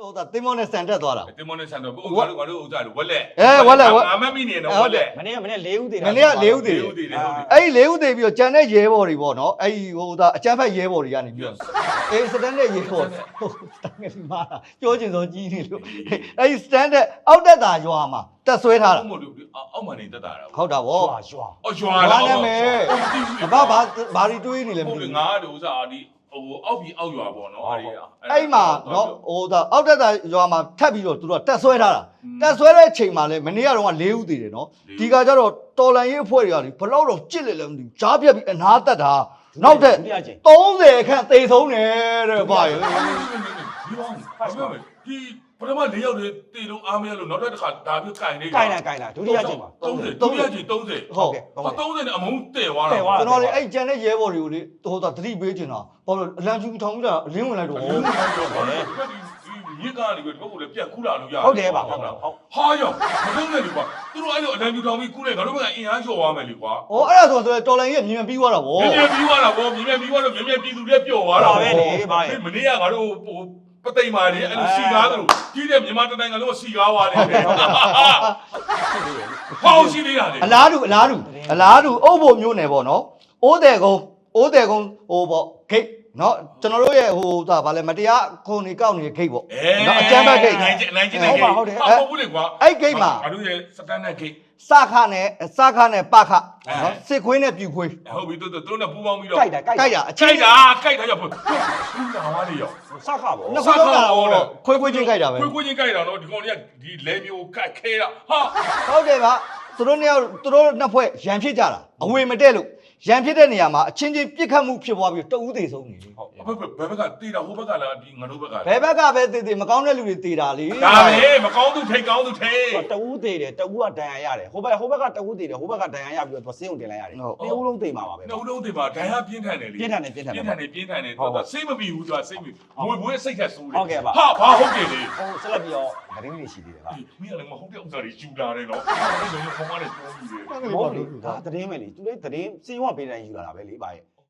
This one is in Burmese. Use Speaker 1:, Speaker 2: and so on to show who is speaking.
Speaker 1: တင်းမောနဲ့ဆန်တက်သွားတာ
Speaker 2: တင်းမောနဲ့ဆန်တော့ငါတို့ဥစ္စာလို့ဝက်လက်ငါမမိနေတော့ဝက်လက်
Speaker 3: မနေ့၄ဦးသေးတာ
Speaker 1: မနေ့က၄ဦးသေးအဲ့ဒီ၄ဦးသေးပြီးတော့ကြံတဲ့ရဲဘော်တွေပေါ့နော်အဲ့ဒီအကျန်းဖက်ရဲဘော်တွေကနေပြီးတော့အေးစတန်တဲ့ရဲဘော်စတန်ငယ်မှာပြောချင်စောကြီးနေလို့အဲ့ဒီစတန်တဲ့အောက်တက်တာရွာမှာတက်ဆွဲထားတာ
Speaker 2: အောက်မှာနေတက်တာ
Speaker 1: ဟုတ်တာဗော
Speaker 3: ရွာ
Speaker 1: လားနာမည်ဘာတွေတွေးနေလဲမသိဘူး
Speaker 2: ငါတို့ဥစ္စာဒီအောက်ပြီးအောက်ရွာပေါ့နော်
Speaker 1: အဲ့မှာနော်အောက်တက်တာရွာမှာထပ်ပြီးတော့သူတို့တက်ဆွဲထားတာတက်ဆွဲတဲ့အချိန်မှာလဲမနေ့ကတော့၄ဦးသေးတယ်နော်ဒီကကြတော့တော်လန်ရေးအဖွဲ့တွေကဘလောက်တော့ကြစ်လေလဲမသိဘူးကြားပြက်ပြီးအနာတက်တာနောက်တဲ့30ခန့်သေဆုံးတယ်တဲ့ဗျာ
Speaker 2: ဒီပထမ၄ယောက်တည်းတေလုံးအားမရလို့နောက်တစ်ခါဒါပြကင်နေ
Speaker 3: ကင်တာဒုတိယချိန်ပါ
Speaker 2: 30ဒုတိယချိန်30
Speaker 3: ဟုတ်ကဲ့
Speaker 2: 30နဲ့အမုန်းတည့်သွားတာ
Speaker 1: ကျွန်တော်လေအဲ့ကျန်တဲ့ရဲဘော်တွေကိုလေသတိပေးချင်တာဘာလို့အလံကျူထောင်ပြီးတာအလင်းဝင်လိုက်တော့
Speaker 2: ရစ်ကားတွေကတော့လည်းပြက်ကူးလာလို့ရ
Speaker 3: ဟုတ်တယ်ပါဟုတ်
Speaker 2: ဟာရောမလုံးနဲ့လေကွာသူတို့အဲ့လိုအလံကျူထောင်ပြီးကူးလိုက်ငါတို့ကအင်အားလျှော့သွားမယ်လေကွာ
Speaker 1: အဲ့ဒါဆိုတော်လိုင်းကြီးမြင်ပြီးသွားတာဗော
Speaker 2: မြင်ပြီးသွားတာဗောမြင်ပြီးသွားတော့မြင်ပြည်သူတွေပျော့သွားတာ
Speaker 3: ပဲလေဘာလဲ
Speaker 2: မနေ့ကငါတို့ပသိမ်မာလေအဲ့လိုစီကားတို့ကြီးတဲ့မြန်မာတိုင်းနိုင်ငံလုံးစီကားသွားတယ်ဟောရှိသေးတာလေ
Speaker 1: အလားတူအုပ်ဖို့မျိုးနယ်ပေါ့နော်အိုးတယ်ကုန်းပေါ့ဂိတ်နော်ကျွန်တော်တို့ရဲ့ဗာလဲမတရားခုံနေကောက်နေတဲ့ဂိတ်ပေါ့
Speaker 2: နော်
Speaker 1: အကျန်းဘက်ဂိတ်
Speaker 2: နိုင်ချင်းတဲ့ဂိတ်ဟုတ်ဘူးလေကွာ
Speaker 1: အဲ့ဂိတ်မှာ
Speaker 2: ငါတို့ရဲ့စတန်ဒတ်ဂိတ်
Speaker 1: စခနဲ့ပခနော်စစ်ခွေးနဲ့ပြူခွေး
Speaker 2: ဟုတ်ပြီသူတို့နဲ့ပူးပေါင်းပြီးတော့
Speaker 3: ကြိုက်တာ
Speaker 2: အချိုက်တာရောက်ဘူးလာဝါလေရောက်
Speaker 3: စခပေါ့
Speaker 1: နှစ်ခုတော့ခွေးချင်းကြိုက်တာပဲ
Speaker 2: ခွေးချင်းကြိုက်တာနော်ဒီကောင်တွေကဒီလဲမျိုးကတ်ခဲတာဟာ
Speaker 1: ဟုတ်တယ်ဗျသူတို့နှစ်ဖွဲ့ရန်ဖြစ်ကြတာအဝေမတက်လို့ရန်ဖြစ်တဲ့နေရာမှာအချင်းချင်းပြစ်ခတ်မှုဖြစ်သွားပြီးတဦးသေးဆုံးနေလေ
Speaker 2: ဟုတ်ဘယ်ဘက်ကတေးတာဟိုဘက်ကလားဒီငါတို့ဘက်က
Speaker 1: ဘယ်ဘက်ကပဲတေးမကောင်းတဲ့လူတွေတေးတာလေ
Speaker 2: ဒါပဲမကောင်းသူထိတ်ကောင်းသူထိတ်
Speaker 3: တဦးသေးတယ်တဦးကဒဏ်ရာရတယ်ဟိုဘက်ကတဦးသေးတယ်ဟိုဘက်ကဒဏ်ရာရပြီးတော့ဆင်းုံတင်လိုက်ရတယ်နှစ်ဦးလုံးသေမှာပါပဲ
Speaker 2: နှစ်ဦးလုံးသေမှာဒဏ်ရာပြင်းထန်တယ်လေ
Speaker 3: ပြင်းထန်တယ်
Speaker 2: သူကစိတ်မပြီးဘူးသူကစိတ်မမွေပွေးစိတ်ထက်ဆိုးတယ်
Speaker 3: ဟုတ်ကဲ့ပါ
Speaker 2: ဟာဘာဟုတ်တယ်လေ
Speaker 3: ဆက်လက်ပြီးတော့သတင်းတွေရှိသေးတယ်ဟာ
Speaker 2: မင်းကလည်းမဟုတ်တဲ့ဥစ္စာတွေယူလာတယ်နော်အဲ့လိုမျိုးခေါင်းကနေပြောပြီးတယ်
Speaker 3: ဟုတ်ဒါသတင်းပဲလေသူလည်းသတင်းစေဝပေးတိုင်းယူလာတာပဲလေပါရဲ့